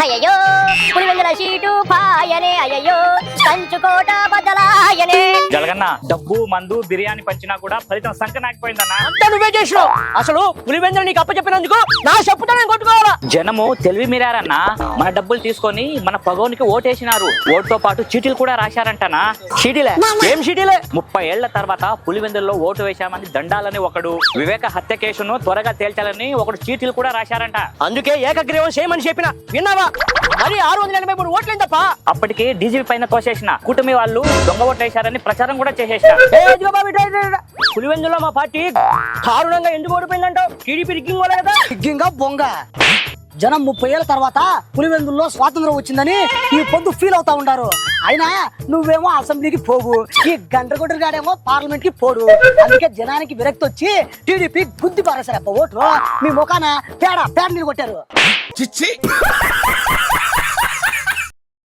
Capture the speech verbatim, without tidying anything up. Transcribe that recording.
అయ్యో పులివెందుల సీటు పాయనే అయ్యో కంచుకోట బద్దలాయనే. జలగన్న డబ్బు మందు బిర్యానీ పంచినా కూడా ఫలితం సంక నాకపోయిందన్నా. అంతా నువ్వే చేసినావు. అసలు పులివెందులు నీకు అప్పచెప్పినందుకు నా చెప్పుతో నేను కొట్టుకోవాలా? జనము తెలివి మీరారన్నా. మన డబ్బులు తీసుకొని మన పగోనికి ఓటేసినారు. ఓటుతో పాటు చీటీలు కూడా రాశారంటనా. షీటీలే? ఏం షీటీలే? ముప్పై ఏళ్ల తర్వాత పులివెందుల్లో ఓటు వేశామని దండాలని ఒకడు, వివేక హత్య కేసును త్వరగా తేల్చాలని ఒకడు చీటీలు కూడా రాశారంట. అందుకే ఏకగ్రీవం చేయమని చెప్పిన విన్నావా? మరి ఆరు వందల ఎనభై మూడు ఓట్లేం తప్ప. అప్పటికి డీజీపీ పైన తోసేసిన కూటమి వాళ్ళు దొంగ ఓట్లు వేశారని ప్రచారం కూడా చేసేసిన. పులివెందులో మా పార్టీ దారుణంగా ఎందుకు ఓడిపోయిందంటావు? టీడీపీ రిగ్గింగ్ వల్ల కదా. రిగ్గింగా బొంగ. జనం ముప్పై ఏళ్ళ తర్వాత పులివెందుల్లో స్వాతంత్రం వచ్చిందని ఈ పొద్దు ఫీల్ అవుతా ఉంటారు. అయినా నువ్వేమో అసెంబ్లీకి పోవు, ఈ గంట కొట్టుగాడేమో పార్లమెంట్ కి పోడు. అందుకే జనానికి విరక్తి వచ్చి టీడీపీ గుద్ది పారేశారు. ఓట్లు మీ ముఖాన పేడ పేడ నీరు కొట్టారు.